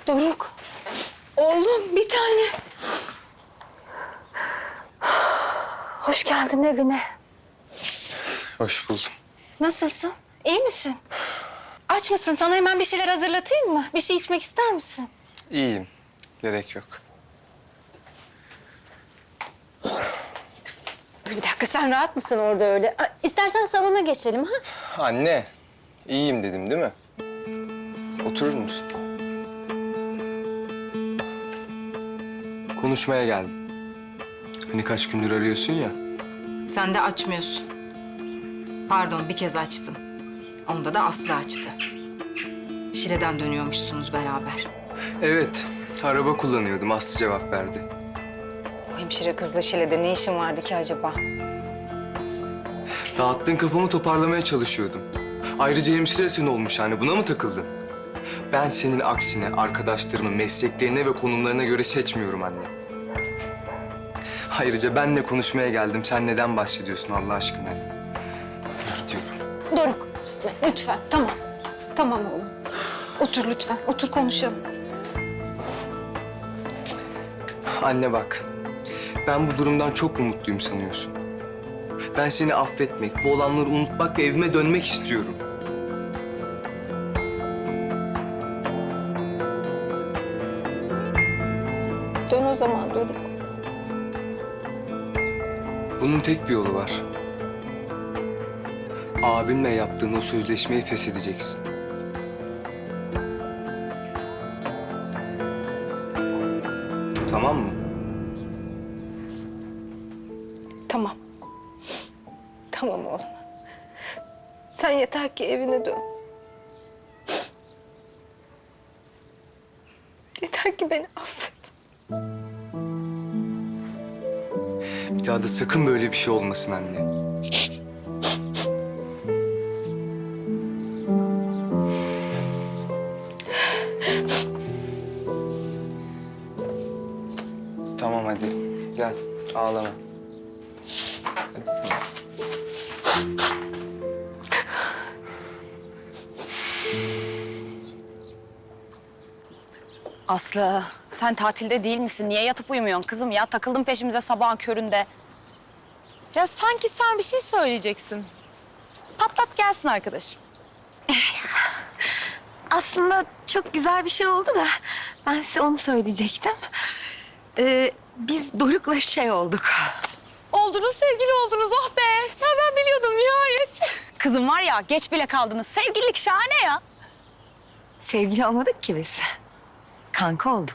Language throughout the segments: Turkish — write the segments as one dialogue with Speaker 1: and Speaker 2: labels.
Speaker 1: Doruk. Oğlum bir tane. Hoş geldin evine.
Speaker 2: Hoş buldum.
Speaker 1: Nasılsın? İyi misin? Aç mısın? Sana hemen bir şeyler hazırlatayım mı? Bir şey içmek ister misin?
Speaker 2: İyiyim. Gerek yok.
Speaker 1: Dur bir dakika, sen rahat mısın orada öyle? İstersen salona geçelim ha?
Speaker 2: Anne, iyiyim dedim değil mi? Oturur musun? Konuşmaya geldim. Hani kaç gündür arıyorsun ya.
Speaker 3: Sen de açmıyorsun. Pardon, bir kez açtın. Onda da Aslı açtı. Şile'den dönüyormuşsunuz beraber.
Speaker 2: Evet, araba kullanıyordum. Aslı cevap verdi.
Speaker 3: O hemşire kızla Şile'de ne işin vardı ki acaba?
Speaker 2: Dağıttığın kafamı toparlamaya çalışıyordum. Ayrıca hemşire sen olmuş yani. Buna mı takıldın? Ben senin aksine arkadaşlarımı mesleklerine ve konumlarına göre seçmiyorum anne. Ayrıca benle konuşmaya geldim. Sen neden bahsediyorsun Allah aşkına? Gidiyorum.
Speaker 1: Doruk, lütfen. Tamam. Tamam oğlum. Otur lütfen. Otur konuşalım.
Speaker 2: Anne bak, ben bu durumdan çok mu mutluyum sanıyorsun? Ben seni affetmek, bu olanları unutmak ve evime dönmek istiyorum.
Speaker 1: Dön o zaman Doruk.
Speaker 2: Bunun tek bir yolu var. Abimle yaptığın o sözleşmeyi feshedeceksin. Tamam mı?
Speaker 1: Tamam. Tamam oğlum. Sen yeter ki evine dön. Yeter ki beni affet.
Speaker 2: Bir daha da sakın böyle bir şey olmasın anne. Tamam hadi gel ağlama.
Speaker 4: Aslı, sen tatilde değil misin? Niye yatıp uyumuyorsun kızım ya? Takıldın peşimize sabahın köründe.
Speaker 5: Ya sanki sen bir şey söyleyeceksin. Patlat gelsin arkadaşım.
Speaker 6: Aslında çok güzel bir şey oldu da ben size onu söyleyecektim. Biz Doruk'la şey olduk.
Speaker 5: Oldunuz, sevgili oldunuz. Oh be! Ya ben biliyordum nihayet.
Speaker 4: Kızım var ya, geç bile kaldınız. Sevgililik şahane ya.
Speaker 6: Sevgili olmadık ki biz. Kanka olduk.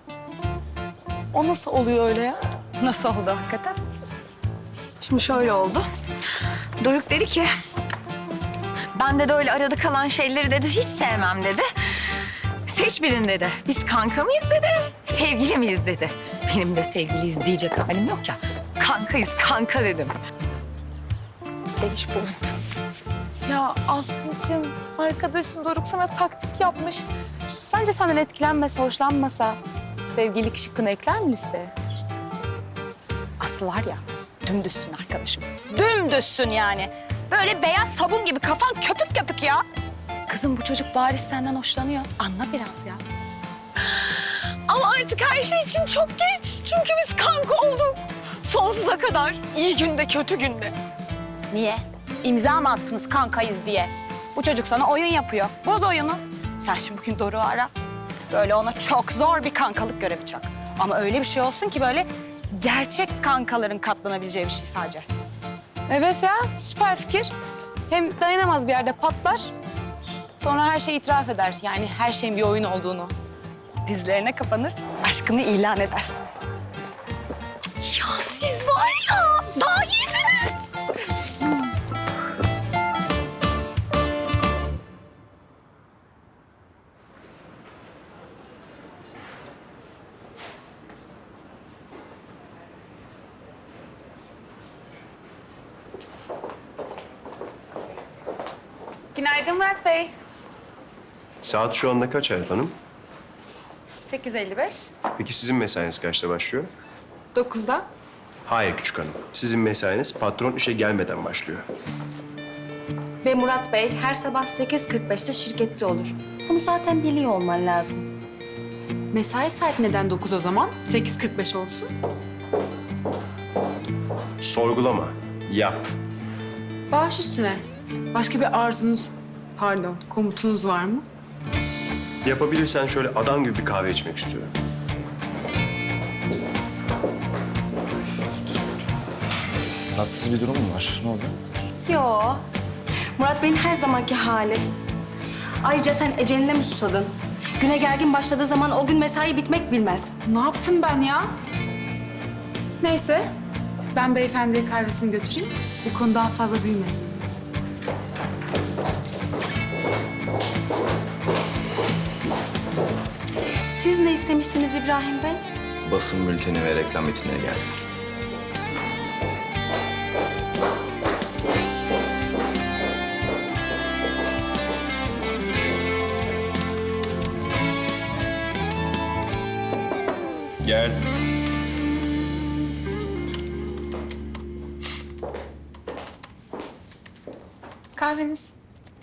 Speaker 5: O nasıl oluyor öyle ya?
Speaker 4: Nasıl oldu hakikaten?
Speaker 6: Şimdi şöyle oldu. Doruk dedi ki... Ben de öyle arada kalan şeyleri dedi hiç sevmem dedi. Seç birini dedi. Biz kanka mıyız dedi, sevgili miyiz dedi. Benim de sevgiliyiz diyecek halim yok ya. Kankayız kanka dedim. Demiş bulundum.
Speaker 5: Ya Aslı'cığım, arkadaşım Doruk sana taktik yapmış. Sence senden etkilenmese, hoşlanmasa sevgililik şıkkını ekler mi listeye?
Speaker 4: Aslı var ya, dümdüzsün arkadaşım. Dümdüzsün yani. Böyle beyaz sabun gibi kafan köpük köpük ya. Kızım bu çocuk bariz senden hoşlanıyor. Anla biraz ya.
Speaker 6: Ama artık her şey için çok geç. Çünkü biz kanka olduk. Sonsuza kadar. İyi günde, kötü günde.
Speaker 4: Niye? İmza mı attınız kankayız diye? Bu çocuk sana oyun yapıyor. Boz oyunu. Sen şimdi bugün Doruk'u ara. Böyle ona çok zor bir kankalık görevi çak. Ama öyle bir şey olsun ki böyle gerçek kankaların katlanabileceği bir şey sadece.
Speaker 5: Evet ya, süper fikir. Hem dayanamaz bir yerde patlar. Sonra her şeyi itiraf eder. Yani her şeyin bir oyun olduğunu.
Speaker 4: Dizlerine kapanır, aşkını ilan eder.
Speaker 6: Ya siz var ya, daha iyisiniz.
Speaker 5: Günaydın Murat Bey.
Speaker 7: Saat şu anda kaç Hayat Hanım?
Speaker 5: 8:55.
Speaker 7: Peki sizin mesainiz kaçta başlıyor?
Speaker 5: 9'da.
Speaker 7: Hayır küçük hanım. Sizin mesainiz patron işe gelmeden başlıyor.
Speaker 4: Ve Murat Bey her sabah 8.45'te şirkette olur. Bunu zaten biliyor olman lazım.
Speaker 5: Mesai saati neden 9 o zaman? 8.45 olsun.
Speaker 7: Sorgulama, yap.
Speaker 5: Baş üstüne. Başka bir arzunuz, pardon, komutunuz var mı?
Speaker 7: Yapabilirsen şöyle adam gibi bir kahve içmek istiyorum.
Speaker 8: Tatsız bir durum mu var? Ne oldu?
Speaker 9: Yo. Murat Bey'in her zamanki hali. Ayrıca sen eceline mi susadın? Güne gergin başladığı zaman o gün mesai bitmek bilmez.
Speaker 5: Ne yaptım ben ya? Neyse, ben beyefendiye kahvesini götüreyim. Bu konu daha fazla büyümesin.
Speaker 9: Siz ne istemiştiniz İbrahim Bey?
Speaker 8: Basın bülteni ve reklam metinleri geldi.
Speaker 7: Gel.
Speaker 5: Kahveniz.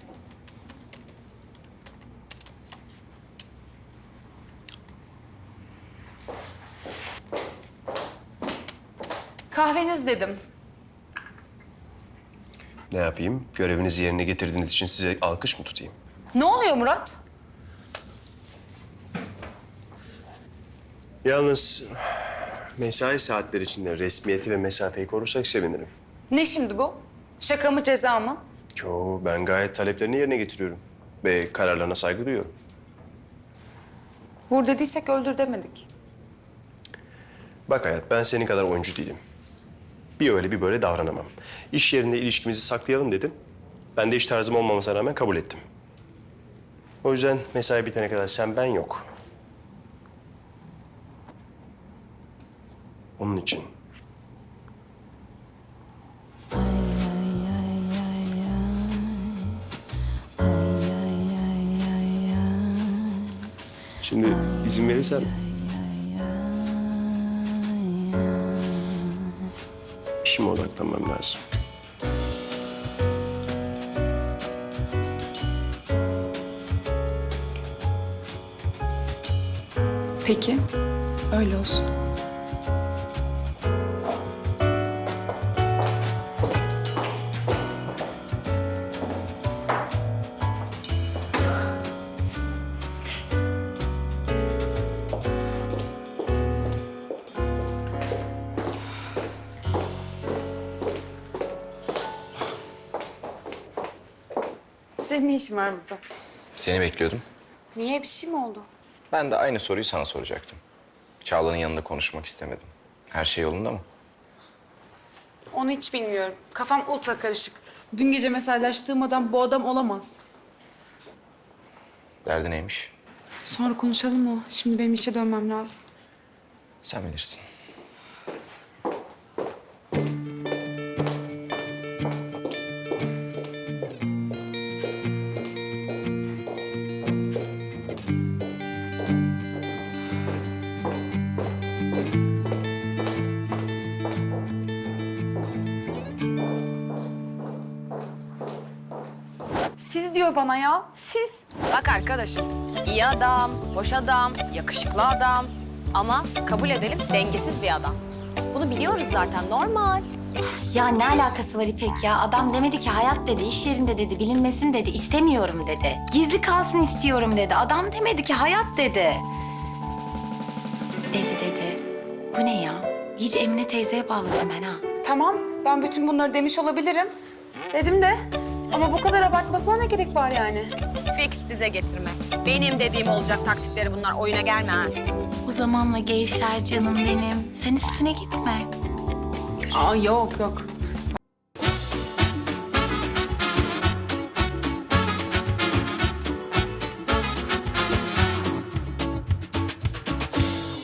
Speaker 5: Kahveniz dedim.
Speaker 7: Ne yapayım? Görevinizi yerine getirdiğiniz için size alkış mı tutayım?
Speaker 5: Ne oluyor Murat?
Speaker 7: Yalnız mesai saatleri içinde resmiyeti ve mesafeyi korursak sevinirim.
Speaker 5: Ne şimdi bu? Şaka mı ceza mı?
Speaker 7: Yo, ben gayet taleplerini yerine getiriyorum. Ve kararlarına saygı duyuyorum.
Speaker 5: Vur dediysek öldür demedik.
Speaker 7: Bak hayat, ben senin kadar oyuncu değilim. Bir öyle bir böyle davranamam. İş yerinde ilişkimizi saklayalım dedim. Ben de iş tarzım olmamasına rağmen kabul ettim. O yüzden mesai bitene kadar sen ben yok. Onun için. Şimdi izin verirsen... İşime odaklanmam lazım.
Speaker 5: Peki, öyle olsun. Senin ne işin var burada?
Speaker 8: Seni bekliyordum.
Speaker 5: Niye, bir şey mi oldu?
Speaker 8: Ben de aynı soruyu sana soracaktım. Çağla'nın yanında konuşmak istemedim. Her şey yolunda mı?
Speaker 5: Onu hiç bilmiyorum. Kafam ultra karışık. Dün gece mesajlaştığım adam bu adam olamaz.
Speaker 8: Derdi neymiş?
Speaker 5: Sonra konuşalım mı? Şimdi benim işe dönmem lazım.
Speaker 8: Sen bilirsin.
Speaker 5: Siz diyor bana ya, siz.
Speaker 4: Bak arkadaşım, iyi adam, hoş adam, yakışıklı adam. Ama kabul edelim dengesiz bir adam. Bunu biliyoruz zaten, normal.
Speaker 1: Ya ne alakası var İpek ya? Adam demedi ki hayat dedi, iş yerinde dedi, bilinmesin dedi, istemiyorum dedi. Gizli kalsın istiyorum dedi. Adam demedi ki hayat dedi. Dedi. Bu ne ya? İyice Emine teyzeye bağladım ben ha.
Speaker 5: Tamam, ben bütün bunları demiş olabilirim. Dedim de ama bu kadar abartmasına ne gerek var yani?
Speaker 4: Fix dize getirme. Benim dediğim olacak taktikleri bunlar, oyuna gelme ha.
Speaker 1: O zamanla gevşer canım benim. Sen üstüne gitme.
Speaker 5: Aa yok.